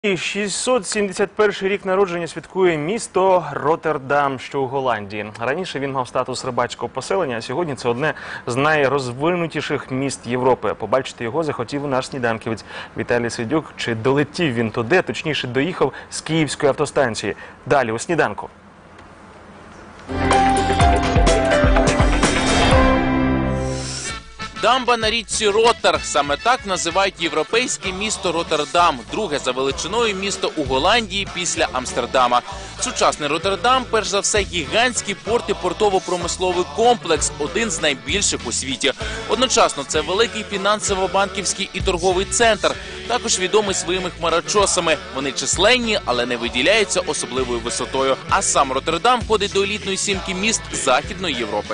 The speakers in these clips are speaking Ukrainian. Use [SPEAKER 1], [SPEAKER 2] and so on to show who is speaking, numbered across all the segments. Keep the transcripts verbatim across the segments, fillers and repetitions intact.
[SPEAKER 1] шістсот сімдесят перший рік народження святкує місто Роттердам, що у Голландії. Раніше він мав статус рибацького поселення, а сьогодні це одне з найрозвинутіших міст Європи. Побачити його захотів наш сніданківець Віталій Свідюк. Чи долетів він туди, точніше доїхав з Київської автостанції. Далі у сніданку.
[SPEAKER 2] Дамба на річці Роттер – саме так називають європейське місто Роттердам, друге за величиною місто у Голландії після Амстердама. Сучасний Роттердам – перш за все гігантський порт і портово-промисловий комплекс, один з найбільших у світі. Одночасно це великий фінансово-банківський і торговий центр, також відомий своїми хмарочосами. Вони численні, але не виділяються особливою висотою. А сам Роттердам входить до елітної сімки міст Західної Європи.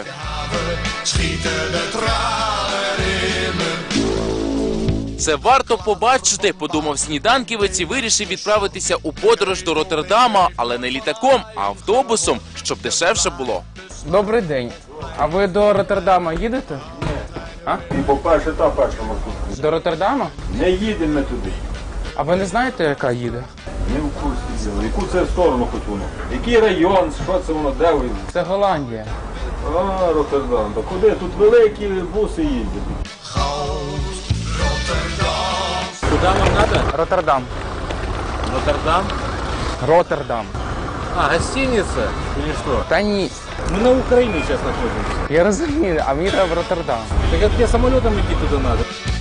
[SPEAKER 2] Це варто побачити, подумав сніданківець і вирішив відправитися у подорож до Роттердама, але не літаком, а автобусом, щоб дешевше було.
[SPEAKER 3] Добрий день. А ви до Роттердама їдете? А?
[SPEAKER 4] По-перше, та перша маршрутка.
[SPEAKER 3] До Роттердама?
[SPEAKER 4] Не їдемо ми туди.
[SPEAKER 3] А ви не знаєте, яка їде?
[SPEAKER 4] Не в курсі діла. Яку це сторону хоч воно? Який район, що це воно, де ви?
[SPEAKER 3] Це Голландія.
[SPEAKER 4] А, Роттердам. Та куди? Тут великі буси їздять.
[SPEAKER 5] Куда вам надо?
[SPEAKER 3] Роттердам.
[SPEAKER 5] Роттердам?
[SPEAKER 3] Роттердам.
[SPEAKER 5] А, гостиница? Или что?
[SPEAKER 3] Та ні.
[SPEAKER 5] Мы на Украине сейчас находимся.
[SPEAKER 3] Я розумію, а мені треба в Роттердам.
[SPEAKER 5] Так как тебе самолетом идти туда надо?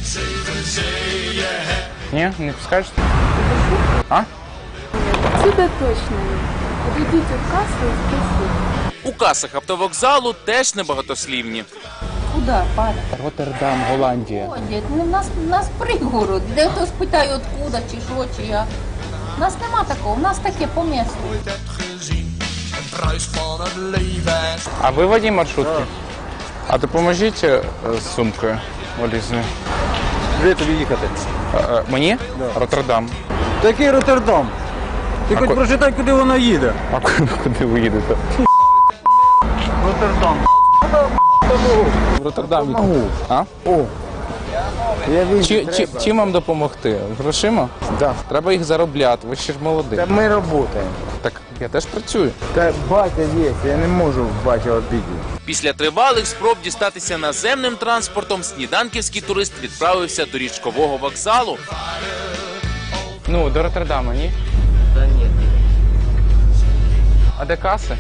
[SPEAKER 3] Ні? Не підскажете? А?
[SPEAKER 6] Сюда точно нет. Подойдите в кассу и спросите.
[SPEAKER 2] У касах автовокзалу теж небагатослівні.
[SPEAKER 6] Куда, парень?
[SPEAKER 3] Роттердам, Голландія.
[SPEAKER 6] Ходять. Ну, в нас, в нас пригород. Де хтось питає, откуда, чи що, чи як. У нас нема такого, у нас таке по місту.
[SPEAKER 3] А ви водій маршрутки? А допоможіть е, з сумкою валізною.
[SPEAKER 5] Де тобі їхати?
[SPEAKER 3] Е, е, Мені? Роттердам.
[SPEAKER 5] Такий Роттердам. Ти
[SPEAKER 3] А
[SPEAKER 5] хоч
[SPEAKER 3] ко-
[SPEAKER 5] прочитай, куди вона їде.
[SPEAKER 3] А куди, куди ви їдете?
[SPEAKER 5] Роттердам.
[SPEAKER 3] В Роттердам їдете. А? О. Чи, чи, чим вам допомогти? Грошима?
[SPEAKER 7] Да.
[SPEAKER 3] Треба їх заробляти, ви ще ж молодий.
[SPEAKER 7] Та ми працюємо.
[SPEAKER 3] Так я теж працюю.
[SPEAKER 7] Та батя є, я не можу батя обідати.
[SPEAKER 2] Після тривалих спроб дістатися наземним транспортом сніданківський турист відправився до річкового вокзалу.
[SPEAKER 3] Ну, до Роттердама, ні?
[SPEAKER 5] Та ні.
[SPEAKER 3] А де каси?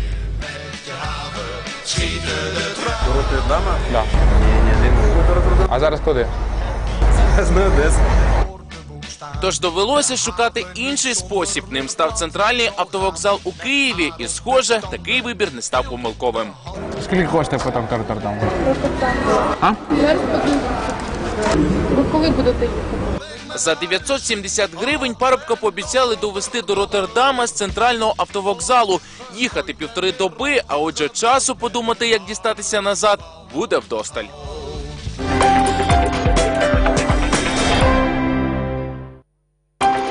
[SPEAKER 5] До Роттердама?
[SPEAKER 3] Да.
[SPEAKER 5] Ні, ні, не можу до Роттердама.
[SPEAKER 3] А зараз куди?
[SPEAKER 5] Зараз на Одесу.
[SPEAKER 2] Тож довелося шукати інший спосіб. Ним став центральний автовокзал у Києві. І, схоже, такий вибір не став помилковим.
[SPEAKER 3] Скільки коштує потім до Роттердаму?
[SPEAKER 6] Зараз подивимося. Ви коли будете їхати?
[SPEAKER 2] За дев'ятсот сімдесят гривень парубка пообіцяли довести до Роттердама з центрального автовокзалу. Їхати півтори доби, а отже часу подумати, як дістатися назад, буде вдосталь.